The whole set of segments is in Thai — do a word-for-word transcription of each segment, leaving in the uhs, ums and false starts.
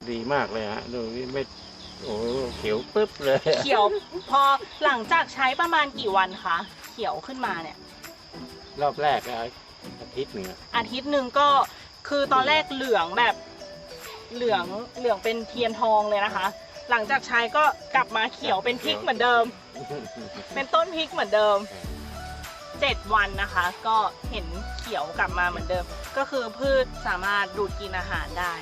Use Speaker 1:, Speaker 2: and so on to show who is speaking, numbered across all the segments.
Speaker 1: ดีมากเลยฮะดูนี่ไม่โอ้เขียวปึ๊บเลย
Speaker 2: เขียวพอหลังจากใช้ประมาณกี่วันคะเขียวขึ้นมาเนี่ย
Speaker 1: รอบแรกอะอาทิตย์หนึ่งอะ
Speaker 2: อาทิตย์หนึ่งก็คือตอนแรกเหลืองแบบเหลืองเหลืองเป็นเทียนทองเลยนะคะ หลังจากใช้ก็กลับมาเขียวเป็นพริกเหมือนเดิม เป็นต้นพริกเหมือนเดิมเจ็ดวันนะคะ ก็เห็นเขียวกลับมาเหมือนเดิม ก็คือพืชสามารถดูดกินอาหารได้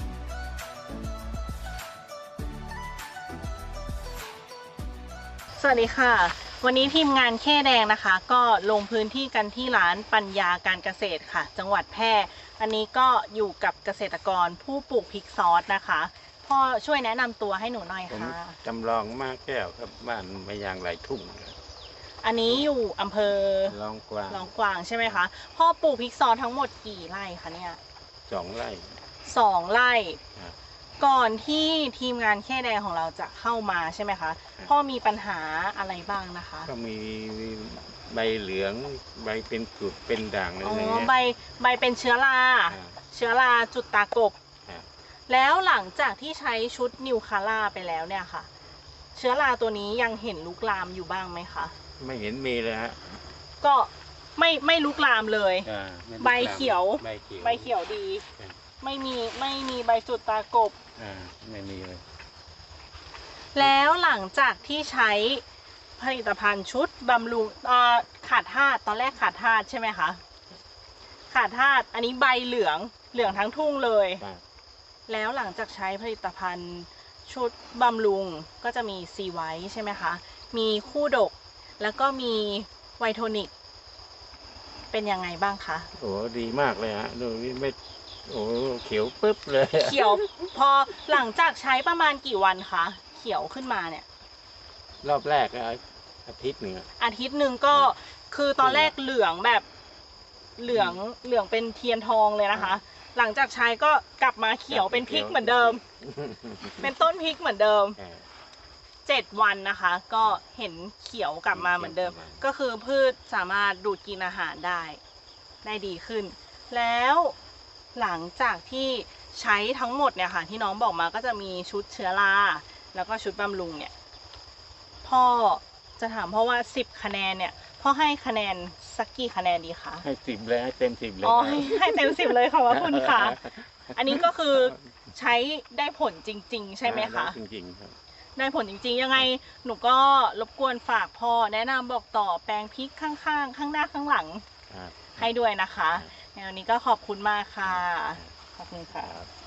Speaker 2: สวัสดีค่ะวันนี้ทีมงานแค่แดงนะคะก็ลงพื้นที่กันที่ร้านปัญญาการเกษตรค่ะจังหวัดแพร่อันนี้ก็อยู่กับเกษตรกรผู้ปลูกพริกซอสนะคะพ่อช่วยแนะนำตัวให้หนูหน่อยค่ะ
Speaker 1: จำลองมากแก้วครับบ้านไม่ยางไหลทุ่ง
Speaker 2: อันนี้อยู่อำเภอ
Speaker 1: ลองกวาง
Speaker 2: ลองกวางใช่ไหมคะพ่อปลูกพริกซอสทั้งหมดกี่ไร่คะเนี่ย
Speaker 1: สองไร่
Speaker 2: สองไร่ก่อนที่ทีมงานแค่แดงของเราจะเข้ามาใช่ไหมคะพ่อมีปัญหาอะไรบ้างนะคะ
Speaker 1: ก็มีใบเหลืองใบเป็นจุดเป็นด่างอะไรอย่างเงี้ย
Speaker 2: ใบใบเป็นเชื้อราเชื้อราจุดตากบแล้วหลังจากที่ใช้ชุดนิวคาร่าไปแล้วเนี่ยค่ะเชื้อราตัวนี้ยังเห็นลุกลามอยู่บ้างไหมคะ
Speaker 1: ไม่เห็นมีเลยฮะ
Speaker 2: ก็ไม่ไม่ลุกลามเลยใบเขียวใบเขียวดีไม่มีไม่มีใบจุดตากบ
Speaker 1: อ่าไม่มีเลย
Speaker 2: แล้วหลังจากที่ใช้ผลิตภัณฑ์ชุดบำรุงขาดธาตุตอนแรกขาดธาตุใช่ไหมคะขาดธาตุอันนี้ใบเหลืองเหลืองทั้งทุ่งเลยแล้วหลังจากใช้ผลิตภัณฑ์ชุดบำรุงก็จะมีซีไวท์ใช่ไหมคะมีคู่ดกแล้วก็มีไวโทนิกเป็นยังไงบ้างคะ
Speaker 1: โอ้ดีมากเลยฮะดูนี่ไม่โอ้เขียวปึ๊บเลย
Speaker 2: เขียวพอหลังจากใช้ประมาณกี่วันคะเขียวขึ้นมาเนี่ย
Speaker 1: รอบแรกอะอาทิตย์หนึ่ง
Speaker 2: อาทิตย์หนึ่งก็คือตอนแรกเหลืองแบบเหลืองเหลืองเป็นเทียนทองเลยนะคะหลังจากใช้ก็กลับมาเขียวเป็นพริกเหมือนเดิมเป็นต้นพริกเหมือนเดิมเจ็ดวันนะคะก็เห็นเขียวกลับมาเหมือนเดิมก็คือพืชสามารถดูดกินอาหารได้ได้ดีขึ้นแล้วหลังจากที่ใช้ทั้งหมดเนี่ยค่ะที่น้องบอกมาก็จะมีชุดเชื้อราแล้วก็ชุดบำรุงเนี่ยพ่อจะถามเพราะว่าสิบคะแนนเนี่ยพ่อให้คะแนนสักกี่คะแนนดีคะ
Speaker 1: ให้สิบเลยให้เต็มสิบเลย
Speaker 2: อ๋อให้ให้เต็มสิบเลยขอบคุณค่ะอันนี้ก็คือใช้ได้ผลจริงๆใช่ไหมคะ
Speaker 1: จริงๆครับ
Speaker 2: ได้ผลจริงๆยังไงหนูก็รบกวนฝากพ่อแนะนำบอกต่อแปลงพริกข้างๆข้างหน้าข้างหลังให้ด้วยนะคะในวันนี้ก็ขอบคุณมากค่ะขอบคุณค่ะ